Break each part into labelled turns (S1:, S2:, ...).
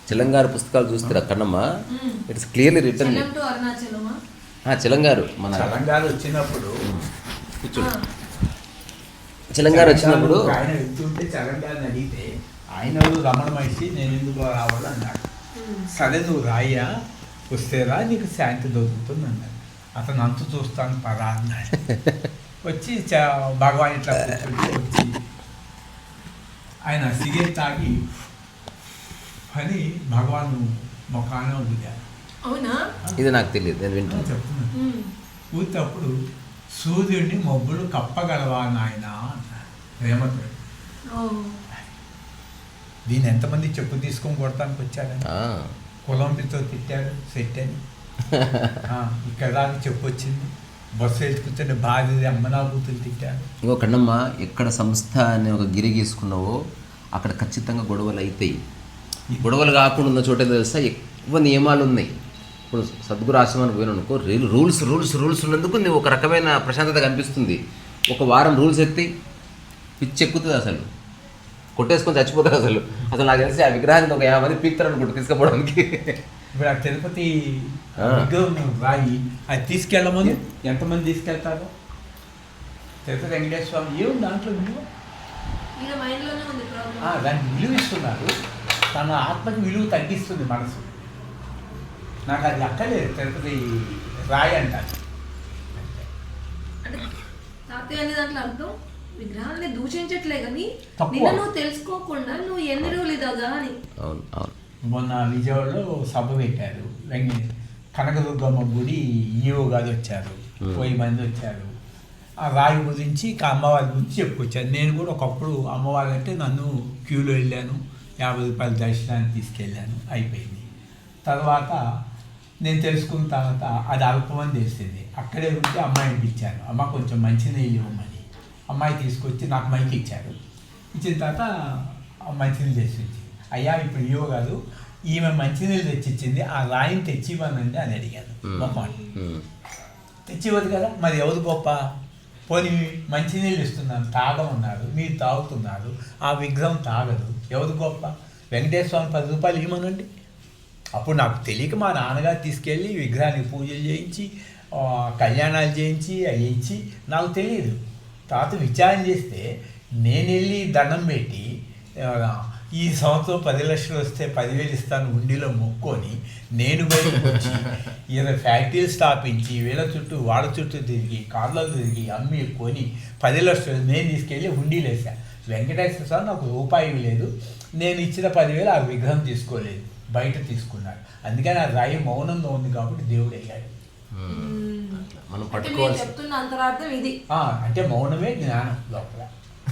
S1: చిలంగారు పుస్తకాలు చూస్తారా Kannamma? It's clearly return. చిలంగారు మన
S2: తెలంగాణ వచ్చినప్పుడు
S1: కూర్చోండి. చిలంగారు వచ్చినప్పుడు
S2: ఆయన వెళ్తుంటే తెలంగాణ అడిగితే ఆయన రమణ మహర్షి నేను ఎందుకు రావాలి అన్నాడు. సరే నువ్వు రాయ్యా, వస్తే రా, నీకు శాంతి దొరుకుతుంది అన్నాడు. అతను అంతు చూస్తాను పరా అన్నాడు. వచ్చి భగవాన్ ఇట్లా కూర్చుంటే వచ్చి ఆయన సిగరెట్ తాగి అని భగవాన్ ముఖాన ఊదారు.
S3: అవునా?
S1: ఇది నాకు తెలియదు, నేను వింటాను.
S2: చెప్తున్నాను. ఊతప్పుడు సూర్యుడిని మబ్బులు కప్పగలవా నాయన అన్నారు ప్రేమతో. దీన్ని ఎంతమంది చెప్పు తీసుకొని కొడతానికి వచ్చాడని కొలంబితో తిట్టాడు సెట్ అని. ఇక్కడ దాకా చెప్పు వచ్చింది. బస్సు ఎత్తుకుంటే భార్య అమ్మనాభూతులు తిట్టాడు.
S1: ఇంకో కన్నమ్మ, ఎక్కడ సంస్థ అనే ఒక గిరి గీసుకున్నావో అక్కడ ఖచ్చితంగా గొడవలు అవుతాయి. గొడవలు కాకుండా ఉన్న చోట తెలుసా ఎక్కువ నియమాలు ఉన్నాయి. ఇప్పుడు సద్గురు ఆశ్రమానికి పోయిన అనుకో, రూల్స్ రూల్స్ రూల్స్ ఉన్నందుకు నీవు ఒక రకమైన ప్రశాంతత కనిపిస్తుంది. ఒక వారం రూల్స్ ఎత్తి పిచ్చి ఎక్కుతుంది, అసలు కొట్టేసుకొని చచ్చిపోతారు. అసలు నాకు తెలిసి ఆ విగ్రహానికి ఒక 50 మంది పీక్తారు అనుకుంటు తీసుకుపోవడానికి.
S2: ఇప్పుడు ఆ తిరుపతి విగ్రహం రాయి అది తీసుకెళ్ళమని ఎంతమంది తీసుకెళ్తారు? తిరుపతి వెంకటేశ్వర స్వామి ఏముంది దాంట్లో విలువ? దానికి విలువ ఇస్తున్నారు. తన ఆత్మకి విలువ తగ్గిస్తుంది మనసు. నాకు అది అక్కలేదు. తిరుపతి రాయి అంటారు.
S3: తాతయ్య అనే దాంట్లో అర్థం విగ్రహాన్ని దూషించట్లే కానీ నిన్న నువ్వు తెలుసుకోకుండా నువ్వు ఎన్ని రోజులు ఇదాగా అని.
S1: అవును అవును.
S2: మొన్న విజయవాడలో సభ పెట్టారు. కనకదుర్గమ్మ గుడి ఈవో గారు వచ్చారు, 1000 మంది వచ్చారు. ఆ రాయి గురించి అమ్మవారి గురించి చెప్పుకొచ్చాను. నేను కూడా ఒకప్పుడు అమ్మవారి అంటే నన్ను క్యూలో వెళ్ళాను, 50 రూపాయల దర్శనానికి తీసుకెళ్ళాను, అయిపోయింది. తర్వాత నేను తెలుసుకున్న తర్వాత అది అల్పమని తెలిసింది. అక్కడే ఉంటే అమ్మాయిని ఇచ్చాను. అమ్మ కొంచెం మంచినీళ్ళు ఇవ్వమని. అమ్మాయి తీసుకొచ్చి నాకు మైకి ఇచ్చారు. ఇచ్చిన తర్వాత మంచినీళ్ళు తెచ్చి ఇచ్చింది. అయ్యా ఇప్పుడు ఇవ్వ కాదు, ఈమె మంచినీళ్ళు తెచ్చిచ్చింది, ఆ రాయిని తెచ్చివ్వనండి అని అడిగాను. మొహం తెచ్చివ్వదు కదా, మరి ఎవరు గొప్ప? పోనీ మంచినీళ్ళు ఇస్తున్నాను తాగమన్నారు, మీరు తాగుతున్నారు, ఆ విగ్రహం తాగదు, ఎవరు గొప్ప? వెంకటేశ్వర స్వామి 10 రూపాయలు ఇవ్వమనండి. అప్పుడు నాకు తెలియక మా నాన్నగారు తీసుకెళ్ళి విగ్రహానికి పూజలు చేయించి కళ్యాణాలు చేయించి అవి ఇచ్చి నాకు తెలియదు. తర్వాత విచారణ చేస్తే నేను వెళ్ళి దండం పెట్టి ఈ సంవత్సరం 10 లక్షలు వస్తే 10,000 ఇస్తాను ఉండిలో మొక్కొని నేను బయటకు వచ్చి 20 ఫ్యాక్టరీలు స్థాపించి వీళ్ళ చుట్టూ వాళ్ళ చుట్టూ తిరిగి కార్లలో తిరిగి అమ్మి కొని 10 లక్షలు నేను తీసుకెళ్ళి హుండీలు వేసాను. వెంకటేశ్వర స్వామి నాకు రూపాయి లేదు, నేను ఇచ్చిన 10,000 ఆ విగ్రహం తీసుకోలేదు, బయట తీసుకున్నాడు. అందుకని ఆ రాయి మౌనంగా ఉంది కాబట్టి దేవుడు అయ్యాడు.
S1: మనం పట్టుకోవాలి.
S3: చెప్తున్న అంతరార్థం ఇది.
S2: అంటే మౌనమే జ్ఞానం లోపల.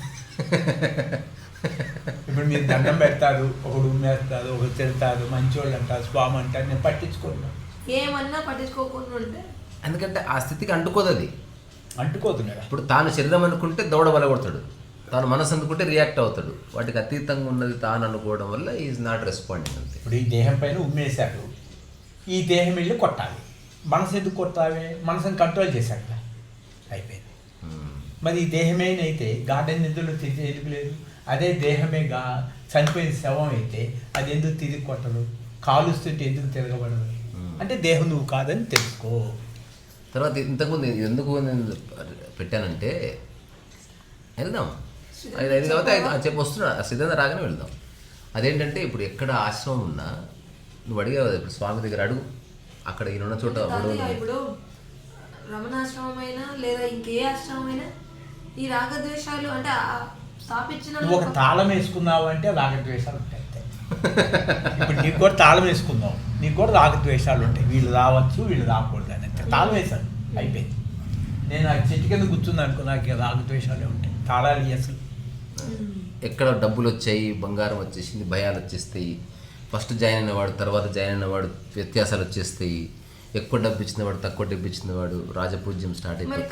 S2: ఇప్పుడు మీరు దండం పెడతారు, ఒకడు ఉమ్మేస్తారు, ఒకరు తిడతారు, మంచోళ్ళు అంటారు, స్వామి అంటారు, నేను పట్టించుకోను.
S3: ఏమన్నా పట్టించుకోకుండా ఉంటే
S1: ఎందుకంటే ఆ స్థితికి అంటుకోదు, అది
S2: అంటుకోదు కదా.
S1: ఇప్పుడు తాను శరీరం అనుకుంటే దౌడ బలగొడతాడు, తాను మనసు అనుకుంటే రియాక్ట్ అవుతాడు. వాటికి అతీతంగా ఉన్నది తాను అనుకోవడం వల్ల ఈజ్ నాట్ రెస్పాండింగ్ అంతే.
S2: ఇప్పుడు ఈ దేహం పైన ఉమ్మేశాడు, ఈ దేహం వెళ్ళి కొట్టాలి. మనసు ఎందుకు కొట్టాలి? మనసుని కంట్రోల్ చేశాడు కదా, అయిపోయింది. మరి ఈ దేహమేనైతే గార్డెన్ నిధులు తిరిగి ఎందుకు లేదు? అదే దేహమే చనిపోయిన శవం అయితే అది ఎందుకు తిరిగి కొట్టదు? కాలుస్తుంటే ఎందుకు తిరగబడదు? అంటే దేహం నువ్వు కాదని తెలుసుకో.
S1: తర్వాత ఇంతకుముందు ఎందుకు నేను పెట్టానంటే వెళ్దాం 5 తర్వాత చెప్పి వస్తున్నా, సిద్ధంగా రాగానే వెళ్దాం. అదేంటంటే ఇప్పుడు ఎక్కడ ఆశ్రమం ఉన్నా నువ్వు అడిగావు ఇప్పుడు స్వామి దగ్గర అడుగు, అక్కడ ఈయన చోట
S3: ఇప్పుడు రమణాశ్రమం అయినా లేదా ఇంకే ఆశ్రమం అయినా ఈ రాగద్వేషాలు అంటే స్థాపించిన
S2: నువ్వు ఒక తాళం వేసుకున్నావు అంటే రాగద్వేషాలు ఉంటాయి. ఇప్పుడు నీకు కూడా తాళం వేసుకున్నావు, నీకు కూడా రాగద్వేషాలు ఉంటాయి. వీళ్ళు రావచ్చు, వీళ్ళు రాకూడదు అని తాళం వేశాను, అయిపోయింది. నేను ఆ చెట్టు కింద కూర్చుంది అనుకో, నాకు రాగద్వేషాలే ఉంటాయి. తాళాలు అసలు
S1: ఎక్కడ డబ్బులు వచ్చాయి, బంగారం వచ్చేసింది, భయాలు వచ్చేస్తాయి. ఫస్ట్ జాయిన్ అయినవాడు తర్వాత జాయిన్ అయినవాడు వ్యత్యాసాలు వచ్చేస్తాయి. ఎక్కువ డబ్బు ఇచ్చినవాడు తక్కువ డబ్బు ఇచ్చినవాడు రాజపూజ్యం స్టార్ట్ అయిపోయింది.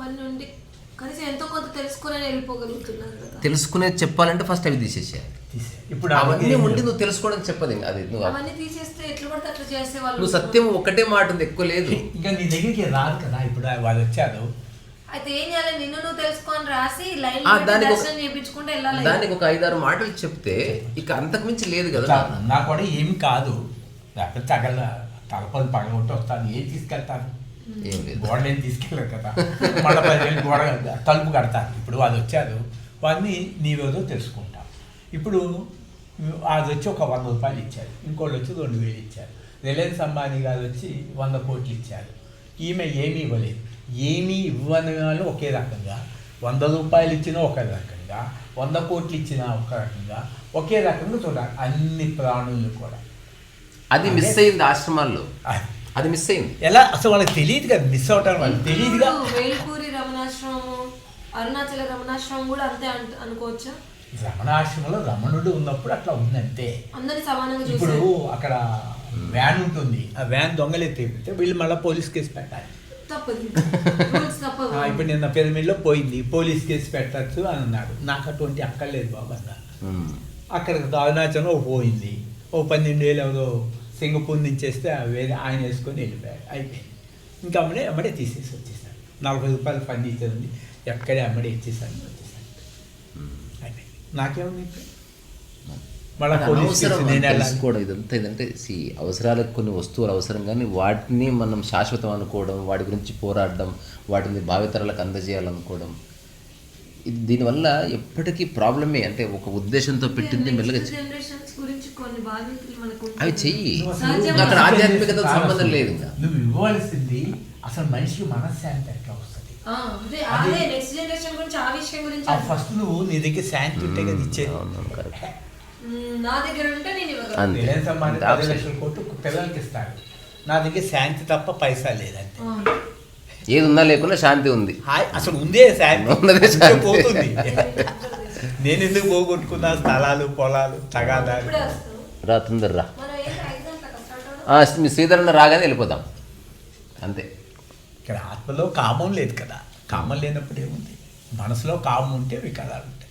S1: తెలుసుకునేది చెప్పాలంటే ఫస్ట్ అవి తీసేసేయాలి. ఇప్పుడు అవన్నీ ఉండి నువ్వు తెలుసుకోవడం చెప్పదు, అది నువ్వు సత్యం ఒకటే మాట ఉంది, ఎక్కువ లేదు.
S2: ఇంకా నీ దగ్గరికి రాదు కదా. ఇప్పుడు వాళ్ళు వచ్చారు,
S3: అయితే ఏం చేయాలి, నిన్ను నువ్వు తెలుసుకొని రాసి లైన్
S1: దానికి
S3: దర్శనం చేయించుకుంటే వెళ్ళాలి.
S1: దానికి ఒక 5-6 మాటలు చెప్తే ఇక అంతకుమించి లేదు కదా.
S2: నా కూడా ఏమి కాదు, లేకపోతే తలపలు పగలగొట్టి వస్తాను, ఏం తీసుకెళ్తాను,
S1: ఏం లేదు,
S2: గోడ ఏం తీసుకెళ్ళారు కదా, మళ్ళీ 10,000 గోడ తలుపు కడతాను. ఇప్పుడు అది వచ్చారు, వాడిని నీవేదో తెలుసుకుంటాం. ఇప్పుడు అది వచ్చి ఒక 100 రూపాయలు ఇచ్చారు, ఇంకోళ్ళు వచ్చి 2,000 ఇచ్చారు, రిలయన్స్ అంబానీ గారు వచ్చి 100 కోట్లు ఇచ్చారు. ఈమె ఏమీ ఇవ్వలేదు. ఏమీ ఇవ్వని వాళ్ళు ఒకే రకంగా, 100 రూపాయలు ఇచ్చినా ఒక రకంగా, 100 కోట్లు ఇచ్చినా ఒక రకంగా, ఒకే రకంగా చూడాలి అన్ని ప్రాణులు కూడా.
S1: అది మిస్ అయింది ఆశ్రమాల్లో, అది మిస్ అయింది.
S2: ఎలా అసలు వాళ్ళకి తెలియదు కదా, మిస్ అవటం వాళ్ళకి తెలియదుగా.
S3: వేల్పూరి రమణాశ్రమము, అరుణాచల రమణాశ్రమం కూడా అంతే అనుకోవచ్చా?
S2: రమణాశ్రమంలో రమణుడు ఉన్నప్పుడు అట్లా ఉందంతే.
S3: అందరినీ సమానంగా
S2: ఇప్పుడు
S3: చూసారు.
S2: అక్కడ వ్యాన్ ఉంటుంది, ఆ వ్యాన్ దొంగలు ఎత్తితే వీళ్ళు మళ్ళీ పోలీస్ కేసు పెట్టాలి.
S3: తప్పదు, రూల్స్ తప్పదు.
S2: ఇప్పుడు నిన్న పిరమిడ్లో పోయింది, పోలీస్ కేసు పెట్టచ్చు అని అన్నాడు. నాకు అటువంటి అక్కర్లేదు బాబు అన్న. అక్కడ అరుణాచలం పోయింది, 12,000 ఎవరో సింగపూర్ నుంచి వేస్తే వేరే ఆయన వేసుకొని వెళ్ళిపోయాడు, అయిపోయింది. ఇంకా అమ్మడే తీసేసి వచ్చేసాను. 40 రూపాయలు ఫర్నిచర్ ఉంది, ఎక్కడే అమ్మడే ఇచ్చేసాను, వచ్చేసాను, అయిపోయింది. నాకేముంది ఇప్పుడు మళ్ళీ పోలీస్ కేసు నేను వెళ్ళాలి.
S1: తెలుసుకోవడం ఇదంతా ఏంటంటే అవసరాలకు కొన్ని వస్తువులు అవసరం, కానీ వాటిని మనం శాశ్వతం అనుకోవడం, వాటి గురించి పోరాడడం, వాటిని భావితరాలకు అందజేయాలనుకోవడం, ఇది దీనివల్ల ఎప్పటికీ ప్రాబ్లమే. అంటే ఒక ఉద్దేశంతో పెట్టింది మెల్లగా
S3: జనరేషన్స్ గురించి కొన్ని బాధ్యతలు మనకు
S1: అవి చెయ్యి.
S3: సహజంగా
S1: అక్కడ ఆధ్యాత్మికత సంబంధం లేదు. ఇంకా
S2: నువ్వు ఇవ్వవలసింది అసలు మనిషికి మనశ్శాంతి ఎట్లా వస్తుంది.
S3: అదే నెక్స్ట్ జనరేషన్ గురించి, ఆ విషయం గురించి.
S2: ఫస్ట్ నువ్వు నీ దగ్గర శాంతి ఉంటే కదా ఇచ్చేది.
S3: నా దగ్గర ఉంటే నేను ఇవ్వగలను.
S1: అంతే.
S2: రిలయన్స్ అంబానీ 10 లక్షల కోట్లు పిల్లలకి ఇస్తాడు, నా దగ్గర శాంతి తప్ప పైసా లేదంతే.
S1: ఏది ఉన్నా లేకున్నా శాంతి ఉంది.
S2: అసలు ఉందే శాంతి,
S1: ఉన్నదే శాంతి.
S2: పోతుంది. నేను ఎందుకు పోగొట్టుకున్నా స్థలాలు, పొలాలు, తగాదాలు.
S3: ఇప్పుడే వస్తాం.
S1: రా తొందర రా.
S3: మనం ఏం 5 గంటలకు స్టార్ట్
S1: మీ శ్రీధరన్న రాగానే వెళ్ళిపోదాం అంతే.
S2: ఇక్కడ ఆత్మలో కామం లేదు కదా, కామం లేనప్పుడు ఏముంది, మనసులో కామం ఉంటే వికారాలు ఉంటాయి.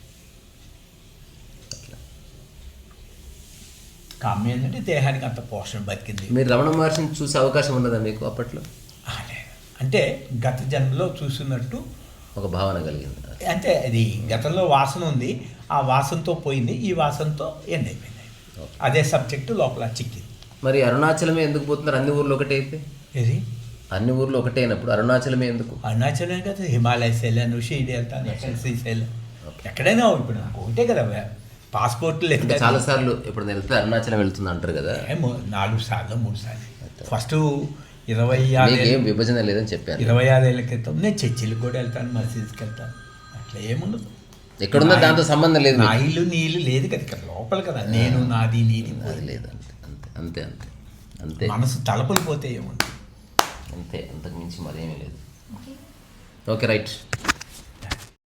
S2: కామం ఏంటంటే దేహానికి అంత పోషణ బతికింది.
S1: మీరు రమణ మహర్షిని చూసే అవకాశం ఉన్నదా మీకు అప్పట్లో?
S2: అంటే గత జన్మలో చూసినట్టు
S1: ఒక భావన కలిగింది.
S2: అంటే అది గతంలో వాసన ఉంది, ఆ వాసనతో పోయింది, ఈ వాసనతో ఎండ్ అయిపోయింది. అదే సబ్జెక్టు లోపల చిక్కింది.
S1: మరి అరుణాచలమే ఎందుకు పోతున్నారు? అన్ని ఊర్లు ఒకటే అయితే,
S2: ఇది
S1: అన్ని ఊర్లు ఒకటే అయినప్పుడు అరుణాచలమే ఎందుకు?
S2: అరుణాచలం కదా, హిమాలయస్ వెళ్ళాను, షిరిడి వెళ్తాను, శ్రీశైలం, ఎక్కడైనా ఇప్పుడు నాకు ఒకటే కదా, పాస్పోర్ట్ లేదు.
S1: చాలా సార్లు ఇప్పుడు వెళ్తే అరుణాచలం వెళ్తుంది అంటారు కదా.
S2: 4 సార్లు 3 సార్లు. ఫస్ట్ 26
S1: ఏం విభజన లేదని చెప్పారు.
S2: 26 ఏళ్ళ క్రితం నేను చర్చిలకు కూడా వెళ్తాను, మసీద్కి వెళ్తాను, అట్లా ఏముండదు.
S1: ఎక్కడున్నా దాంతో సంబంధం లేదు.
S2: నా ఇల్లు నీ ఇల్లు లేదు కదా, ఇక్కడ లోపల కదా, నేను నాది నీది
S1: అది లేదు. అంతే అంతే అంతే అంతే.
S2: మనసు తలపలు పోతే ఏముంది,
S1: అంతే, అంతకు మించి మరేమీ లేదు. Okay right.